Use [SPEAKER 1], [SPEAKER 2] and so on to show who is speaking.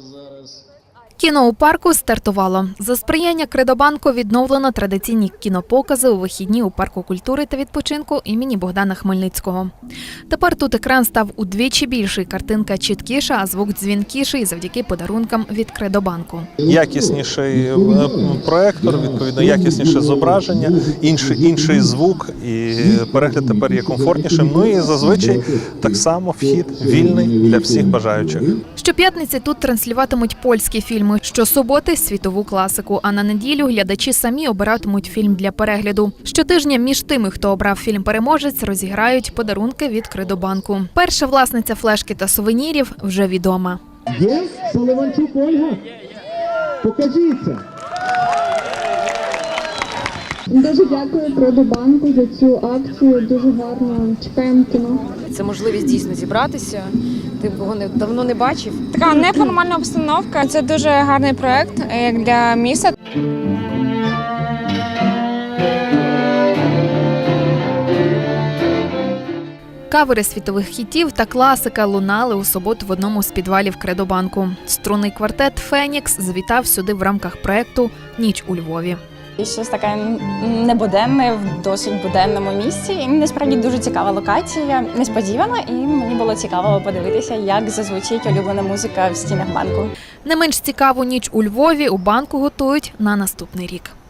[SPEAKER 1] Кіно у парку стартувало. За сприяння Кредобанку відновлено традиційні кінопокази у вихідні у парку культури та відпочинку імені Богдана Хмельницького. Тепер тут екран став удвічі більший, картинка чіткіша, а звук дзвінкіший завдяки подарункам від Кредобанку.
[SPEAKER 2] Якісніший проектор, відповідно, якісніше зображення, інший звук, і перегляд тепер є комфортнішим. Ну і зазвичай так само вхід вільний для всіх бажаючих.
[SPEAKER 1] Щоп'ятниці тут транслюватимуть польські фільми, щосуботи – світову класику, а на неділю глядачі самі обиратимуть фільм для перегляду. Щотижня між тими, хто обрав фільм-переможець, розіграють подарунки від Кредобанку. Перша власниця флешки та сувенірів вже відома.
[SPEAKER 3] Є Поливанчук Ольга? Покажіться!
[SPEAKER 4] Дуже дякую Кредобанку за цю акцію, дуже гарно, чекаємо кіно.
[SPEAKER 5] Це можливість дійсно зібратися, ти кого давно не бачив.
[SPEAKER 6] Така неформальна обстановка, це дуже гарний проєкт як для міста.
[SPEAKER 1] Кавери світових хітів та класика лунали у суботу в одному з підвалів Кредобанку. Струнний квартет «Фенікс» завітав сюди в рамках проєкту «Ніч у Львові».
[SPEAKER 7] І щось таке небуденне в досить буденному місці. І насправді дуже цікава локація, несподівана, і мені було цікаво подивитися, як зазвучить улюблена музика в стінах банку.
[SPEAKER 1] Не менш цікаву «Ніч у Львові» у банку готують на наступний рік.